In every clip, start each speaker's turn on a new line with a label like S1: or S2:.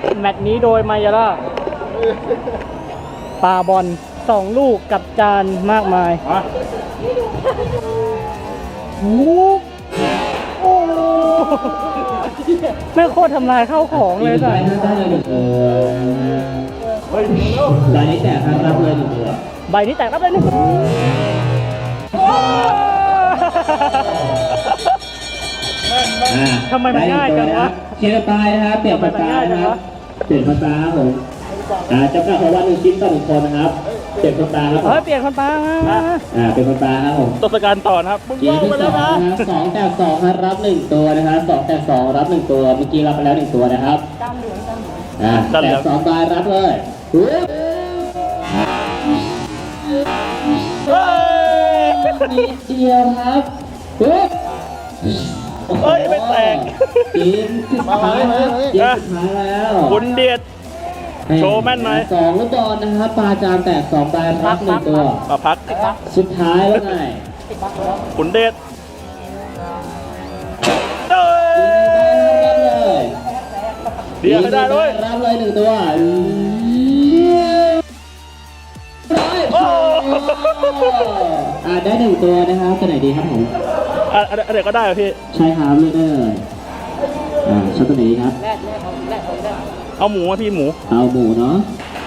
S1: แมตช์นี้โดยมายาล่าปาบอล2 ลูกกับจานมากมายโอ้โหแม่โคตรทำลายข้าวของเลยจ้ะ
S2: ได้เลยใบนี้แตกครับรับเลย1 ตัว
S1: ใบนี้แตกรับเลยนี่ทำไมมันง่ายจังวะ
S2: เชียร์ตายนะครับเปลี่ยนภาษานะครับเปลี่ยนภาษาครับผมจำกัดของวัน1 ชิ้นต่อ1 คนนะครับเปลี่ยนภาษาครับ
S1: เฮ้ยเปลี่ยนคนปา
S2: เป็นภาษาครับผม
S1: ตศกัณฐ์ต่อนะครับมึง
S2: เกมที่2นะครับ2 แตก 2ครับรับ1 ตัวนะครับ2 แตก 2รับ1 ตัวเมื่อกี้รับไปแล้ว1 ตัวนะครับแตก2 ใบรับเลยนิดเดียวครับ
S1: เฮ้ยไม่แตก
S2: เกมสุดท้ายครับเกมสุดท้ายแล้ว
S1: คุณเดียดโชว์แม่นไหม
S2: 2 ลูกบอลนะครับปลาจามแตก2 ใบรับ1 ตัว
S1: พัก
S2: สุดท้ายว่าไง
S1: คุณเดียดเดียดไม่ได้ด้วย
S2: รับเลย1 ตัวได้1 ตัวนะครับตัวไหนดีครับผม
S1: อะไรก็ได้พี่
S2: ใช่ครับเลือกได้เลยชอบตัวไหนดีครับ
S1: เอาหมูพี่หมู
S2: เอาหมูเนาะ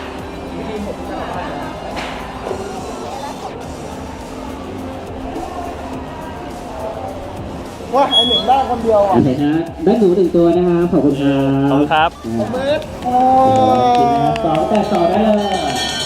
S3: ว่าไอหนึ่งได้คนเดียวอ่ะ
S2: โอเคครับได้หมู1 ตัวนะครับขอบคุณครับ
S1: ขอบคุณครับ
S2: 2 แตก 2ได้เลย